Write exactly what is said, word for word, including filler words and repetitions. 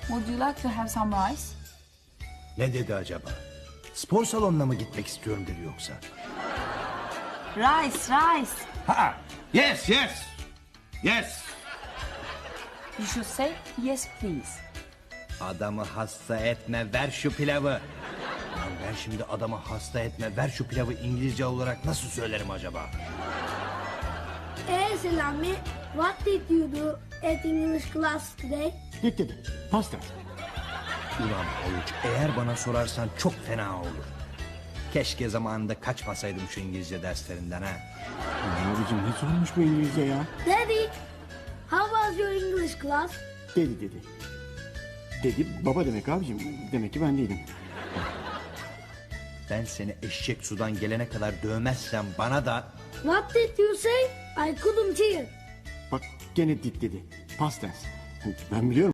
Would you like to have some rice? Ne dedi acaba? Spor salonuna mı gitmek istiyorum dedi yoksa? Rice, rice. Ha, yes, yes, yes. You should say yes please. Adamı hasta etme, ver şu pilavı. Lan ben şimdi adamı hasta etme, ver şu pilavı İngilizce olarak nasıl söylerim acaba? Hey Selami, what did you do at English class today? Did dedi. Past tense. Ulan Havuç, eğer bana sorarsan çok fena olur. Keşke zamanında kaçmasaydım şu İngilizce derslerinden ha. Abicim ne sormuş bu İngilizce ya? Daddy, how was your English class? Dedi dedi. Dedi baba demek abicim. Demek ki ben değilim. Ben seni eşek sudan gelene kadar dövmezsem bana da... What did you say? I couldn't hear. Bak gene did dedi. Past tense. Ben biliyorum.